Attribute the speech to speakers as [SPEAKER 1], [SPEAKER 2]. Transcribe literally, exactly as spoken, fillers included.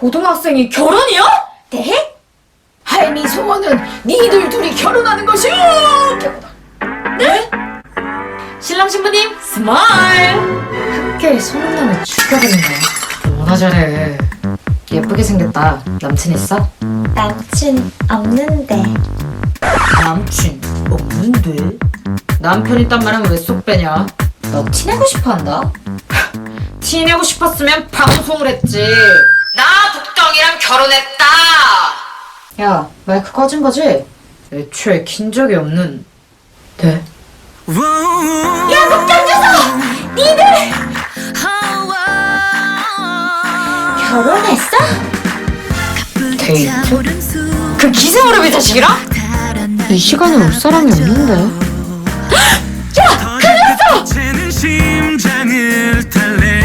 [SPEAKER 1] 고등학생이 결혼이요? 네?
[SPEAKER 2] 할미 소원은 니들 둘이 결혼하는 것이오.
[SPEAKER 1] 네? 신랑 신부님 스마일. 학교에 소문나면 죽여버린다. 뭐나 잘해. 예쁘게 생겼다. 남친 있어?
[SPEAKER 3] 남친 없는데.
[SPEAKER 1] 남친 없는데? 남편 있단 말하면 왜 쏙 빼냐? 너 티내고 싶어 한다? 티내고 싶었으면 방송을 했지. 나 복덩이랑 결혼했다. 야, 마이크 꺼진 거지? 애초에 킨 적이 없는. 네?
[SPEAKER 3] 야, 복장 주소! 니들 결혼했어?
[SPEAKER 1] 데이트? 그 기생오래비 자식이랑? 이 시간에 올 사람이 없는데.
[SPEAKER 4] 야! 큰일 났어!